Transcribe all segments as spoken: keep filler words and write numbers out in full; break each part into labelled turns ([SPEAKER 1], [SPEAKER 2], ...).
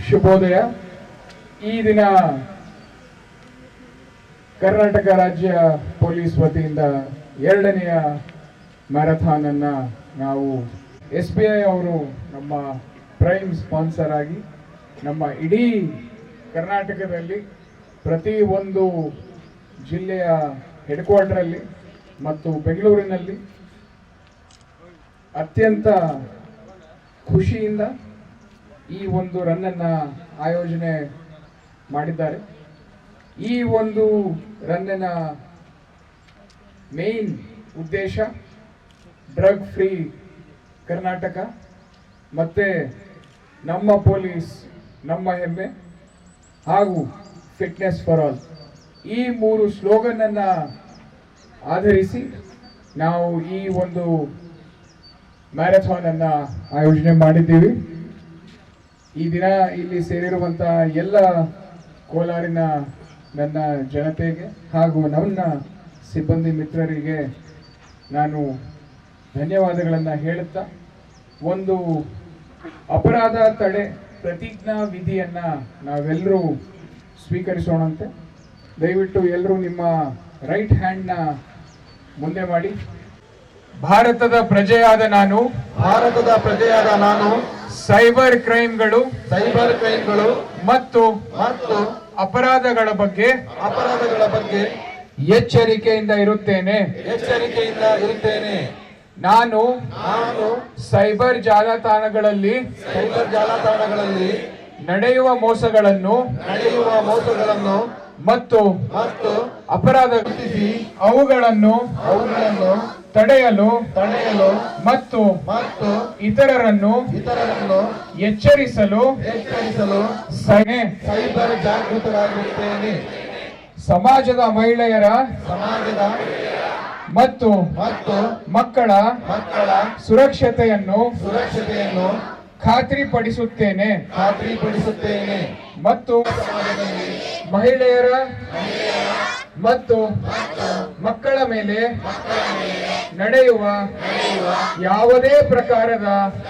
[SPEAKER 1] ಶುಭೋದಯ. ಈ ದಿನ ಕರ್ನಾಟಕ ರಾಜ್ಯ ಪೊಲೀಸ್ ವತಿಯಿಂದ ಎರಡನೆಯ ಮ್ಯಾರಥಾನ್ ಅನ್ನ ನಾವು ಎಸ್ ಬಿ ಐ ಅವರು ನಮ್ಮ ಪ್ರೈಮ್ ಸ್ಪಾನ್ಸರ್ ಆಗಿ ನಮ್ಮ ಇಡೀ ಕರ್ನಾಟಕದಲ್ಲಿ ಪ್ರತಿ ಒಂದು ಜಿಲ್ಲೆಯ ಹೆಡ್ ಕ್ವಾರ್ಟರಲ್ಲಿ ಮತ್ತು ಬೆಂಗಳೂರಿನಲ್ಲಿ ಅತ್ಯಂತ ಖುಷಿಯಿಂದ ಈ ಒಂದು ರನ್ನನ್ನು ಆಯೋಜನೆ ಮಾಡಿದ್ದಾರೆ. ಈ ಒಂದು ರನ್ನಿನ ಮೇನ್ ಉದ್ದೇಶ ಡ್ರಗ್ ಫ್ರೀ ಕರ್ನಾಟಕ ಮತ್ತು ನಮ್ಮ ಪೊಲೀಸ್ ನಮ್ಮ ಹೆಮ್ಮೆ ಹಾಗೂ ಫಿಟ್ನೆಸ್ ಫಾರ್ ಆಲ್, ಈ ಮೂರು ಸ್ಲೋಗನನ್ನು ಆಧರಿಸಿ ನಾವು ಈ ಒಂದು ಮ್ಯಾರಥಾನನ್ನು ಆಯೋಜನೆ ಮಾಡಿದ್ದೀವಿ. ಈ ದಿನ ಇಲ್ಲಿ ಸೇರಿರುವಂಥ ಎಲ್ಲ ಕೋಲಾರಿನ ನನ್ನ ಜನತೆಗೆ ಹಾಗೂ ನನ್ನ ಸಿಬ್ಬಂದಿ ಮಿತ್ರರಿಗೆ ನಾನು ಧನ್ಯವಾದಗಳನ್ನು ಹೇಳುತ್ತಾ, ಒಂದು ಅಪರಾಧ ತಡೆ ಪ್ರತಿಜ್ಞಾ ವಿಧಿಯನ್ನು ನಾವೆಲ್ಲರೂ ಸ್ವೀಕರಿಸೋಣಂತೆ. ದಯವಿಟ್ಟು ಎಲ್ಲರೂ ನಿಮ್ಮ ರೈಟ್ ಹ್ಯಾಂಡ್ನ ಮುಂದೆ ಮಾಡಿ. ಭಾರತದ ಪ್ರಜೆಯಾದ ನಾನು
[SPEAKER 2] ಭಾರತದ ಪ್ರಜೆಯಾದ ನಾನು
[SPEAKER 1] ಸೈಬರ್ ಕ್ರೈಮ್ಗಳು
[SPEAKER 2] ಸೈಬರ್ ಕ್ರೈಮ್ಗಳು
[SPEAKER 1] ಮತ್ತು
[SPEAKER 2] ಮತ್ತು
[SPEAKER 1] ಅಪರಾಧಗಳ ಬಗ್ಗೆ
[SPEAKER 2] ಅಪರಾಧಗಳ ಬಗ್ಗೆ
[SPEAKER 1] ಎಚ್ಚರಿಕೆಯಿಂದ ಇರುತ್ತೇನೆ
[SPEAKER 2] ಎಚ್ಚರಿಕೆಯಿಂದ ಇರುತ್ತೇನೆ.
[SPEAKER 1] ನಾನು
[SPEAKER 2] ನಾನು
[SPEAKER 1] ಸೈಬರ್ ಜಾಲತಾಣಗಳಲ್ಲಿ
[SPEAKER 2] ಸೈಬರ್ ಜಾಲತಾಣಗಳಲ್ಲಿ
[SPEAKER 1] ನಡೆಯುವ ಮೋಸಗಳನ್ನು
[SPEAKER 2] ನಡೆಯುವ ಮೋಸಗಳನ್ನು
[SPEAKER 1] ಮತ್ತು
[SPEAKER 2] ಮತ್ತು
[SPEAKER 1] ಅಪರಾಧ ಅವುಗಳನ್ನು
[SPEAKER 2] ಅವುಗಳನ್ನು
[SPEAKER 1] ತಡೆಯಲು
[SPEAKER 2] ತಡೆಯಲು
[SPEAKER 1] ಮತ್ತು
[SPEAKER 2] ಮತ್ತು
[SPEAKER 1] ಇತರರನ್ನು
[SPEAKER 2] ಇತರರನ್ನು
[SPEAKER 1] ಎಚ್ಚರಿಸಲು
[SPEAKER 2] ಎಚ್ಚರಿಸಲು
[SPEAKER 1] ಸೈಬರ್
[SPEAKER 2] ಜಾಗೃತರಾಗಿರುತ್ತೇನೆ.
[SPEAKER 1] ಸಮಾಜದ ಮಹಿಳೆಯರ
[SPEAKER 2] ಸಮಾಜದ
[SPEAKER 1] ಮತ್ತು
[SPEAKER 2] ಮತ್ತು
[SPEAKER 1] ಮಕ್ಕಳ
[SPEAKER 2] ಮಕ್ಕಳ
[SPEAKER 1] ಸುರಕ್ಷತೆಯನ್ನು
[SPEAKER 2] ಸುರಕ್ಷತೆಯನ್ನು
[SPEAKER 1] ಖಾತ್ರಿಪಡಿಸುತ್ತೇನೆ
[SPEAKER 2] ಖಾತ್ರಿಪಡಿಸುತ್ತೇನೆ
[SPEAKER 1] ಮತ್ತು ಮಹಿಳೆಯರ ಮತ್ತು ಮಕ್ಕಳ ಮೇಲೆ ನಡೆಯುವ ಯಾವುದೇ ಪ್ರಕಾರದ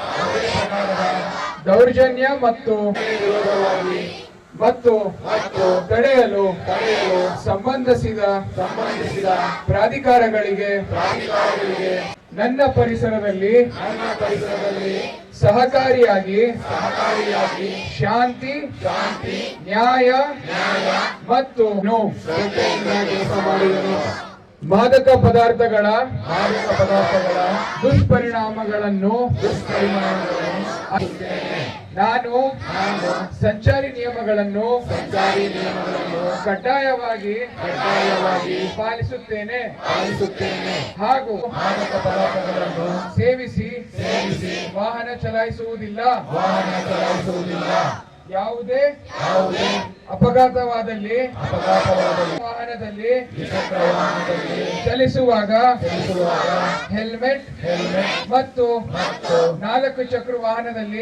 [SPEAKER 1] ದೌರ್ಜನ್ಯ ಮತ್ತು ಮತ್ತು ತಡೆಯಲು ಸಂಬಂಧಿಸಿದ
[SPEAKER 2] ಸಂಬಂಧಿಸಿದ
[SPEAKER 1] ಪ್ರಾಧಿಕಾರಗಳಿಗೆ ನನ್ನ ಪರಿಸರದಲ್ಲಿ
[SPEAKER 2] ನನ್ನ ಪರಿಸರದಲ್ಲಿ
[SPEAKER 1] ಸಹಕಾರಿಯಾಗಿ
[SPEAKER 2] ಸಹಕಾರಿಯಾಗಿ
[SPEAKER 1] ಶಾಂತಿ
[SPEAKER 2] ಶಾಂತಿ
[SPEAKER 1] ನ್ಯಾಯ
[SPEAKER 2] ನ್ಯಾಯ
[SPEAKER 1] ಮತ್ತು
[SPEAKER 2] ಶ್ರದ್ಧೆಯಿಂದ ಕೆಲಸ ಮಾಡಿದನು.
[SPEAKER 1] ಮಾದಕ ಪದಾರ್ಥಗಳ
[SPEAKER 2] ಮಾದಕ ಪದಾರ್ಥಗಳ
[SPEAKER 1] ದುಷ್ಪರಿಣಾಮಗಳನ್ನು
[SPEAKER 2] ದುಷ್ಪರಿಣಾಮಗಳನ್ನು
[SPEAKER 1] ನಾನು
[SPEAKER 2] ನಾನು
[SPEAKER 1] ಸಂಚಾರಿ ನಿಯಮಗಳನ್ನು
[SPEAKER 2] ಸಂಚಾರಿ ನಿಯಮಗಳನ್ನು
[SPEAKER 1] ಕಡ್ಡಾಯವಾಗಿ
[SPEAKER 2] ಕಡ್ಡಾಯವಾಗಿ
[SPEAKER 1] ಪಾಲಿಸುತ್ತೇನೆ
[SPEAKER 2] ಪಾಲಿಸುತ್ತೇನೆ
[SPEAKER 1] ಹಾಗೂ
[SPEAKER 2] ಮಾದಕ ಪದಾರ್ಥಗಳನ್ನು
[SPEAKER 1] ಸೇವಿಸಿ
[SPEAKER 2] ಸೇವಿಸಿ
[SPEAKER 1] ವಾಹನ ಚಲಾಯಿಸುವುದಿಲ್ಲ
[SPEAKER 2] ವಾಹನ ಚಲಾಯಿಸುವುದಿಲ್ಲ.
[SPEAKER 1] ಯಾವುದೇ
[SPEAKER 2] ಯಾವುದೇ
[SPEAKER 1] ಅಪಘಾತವಾದಲ್ಲಿ
[SPEAKER 2] ಅಪಘಾತವಾದಲ್ಲಿ
[SPEAKER 1] ವಾಹನದಲ್ಲಿ
[SPEAKER 2] ದ್ವಿಚಕ್ರ ವಾಹನದಲ್ಲಿ
[SPEAKER 1] ಚಲಿಸುವಾಗ
[SPEAKER 2] ಚಲಿಸುವಾಗ
[SPEAKER 1] ಹೆಲ್ಮೆಟ್
[SPEAKER 2] ಹೆಲ್ಮೆಟ್
[SPEAKER 1] ಮತ್ತು
[SPEAKER 2] ಮತ್ತು
[SPEAKER 1] ನಾಲ್ಕು ಚಕ್ರ ವಾಹನದಲ್ಲಿ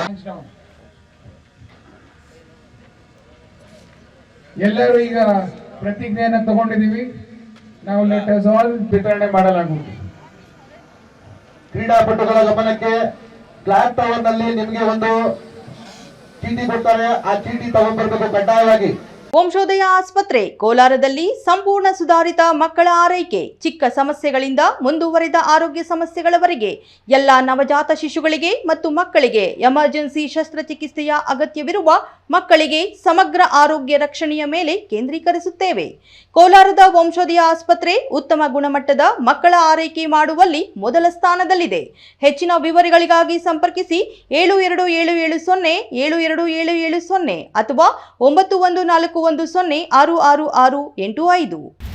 [SPEAKER 1] ಎಲ್ಲರೂ ಈಗ ಪ್ರತಿಜ್ಞೆಯನ್ನು ತಗೊಂಡಿದ್ದೀವಿ. ನಾವು ಲೆಟರ್ಸ್ ಆಲ್ ವಿತರಣೆ ಮಾಡಲಾಗುವುದು.
[SPEAKER 2] ಕ್ರೀಡಾಪಟುಗಳ ಗಮನಕ್ಕೆ ಫ್ಲಾಗ್ ಟವರ್ ನಲ್ಲಿ ನಿಮಗೆ ಒಂದು ಚೀಟಿ ಕೊಡ್ತಾರೆ, ಆ ಚೀಟಿ ತಗೊಂಡ್ಬರ್ಬೇಕು ಕಡ್ಡಾಯವಾಗಿ.
[SPEAKER 3] ವಂಶೋದಯ ಆಸ್ಪತ್ರೆ ಕೋಲಾರದಲ್ಲಿ ಸಂಪೂರ್ಣ ಸುಧಾರಿತ ಮಕ್ಕಳ ಆರೈಕೆ, ಚಿಕ್ಕ ಸಮಸ್ಯೆಗಳಿಂದ ಮುಂದುವರಿದ ಆರೋಗ್ಯ ಸಮಸ್ಯೆಗಳವರೆಗೆ ಎಲ್ಲ ನವಜಾತ ಶಿಶುಗಳಿಗೆ ಮತ್ತು ಮಕ್ಕಳಿಗೆ ಎಮರ್ಜೆನ್ಸಿ ಶಸ್ತ್ರಚಿಕಿತ್ಸೆಯ ಅಗತ್ಯವಿರುವ ಮಕ್ಕಳಿಗೆ ಸಮಗ್ರ ಆರೋಗ್ಯ ರಕ್ಷಣೆಯ ಮೇಲೆ ಕೇಂದ್ರೀಕರಿಸುತ್ತೇವೆ. ಕೋಲಾರದ ವಂಶೋದಯ ಆಸ್ಪತ್ರೆ ಉತ್ತಮ ಗುಣಮಟ್ಟದ ಮಕ್ಕಳ ಆರೈಕೆ ಮಾಡುವಲ್ಲಿ ಮೊದಲ ಸ್ಥಾನದಲ್ಲಿದೆ. ಹೆಚ್ಚಿನ ವಿವರಗಳಿಗಾಗಿ ಸಂಪರ್ಕಿಸಿ ಏಳು ಎರಡು ಏಳು ಏಳು ಸೊನ್ನೆ ಏಳು ಎರಡು ಏಳು ಏಳು ಸೊನ್ನೆ ಅಥವಾ ಒಂಬತ್ತು ಒಂದು ನಾಲ್ಕು ಒಂದು ಸೊನ್ನೆ ಆರು ಆರು ಆರು ಎಂಟು ಐದು.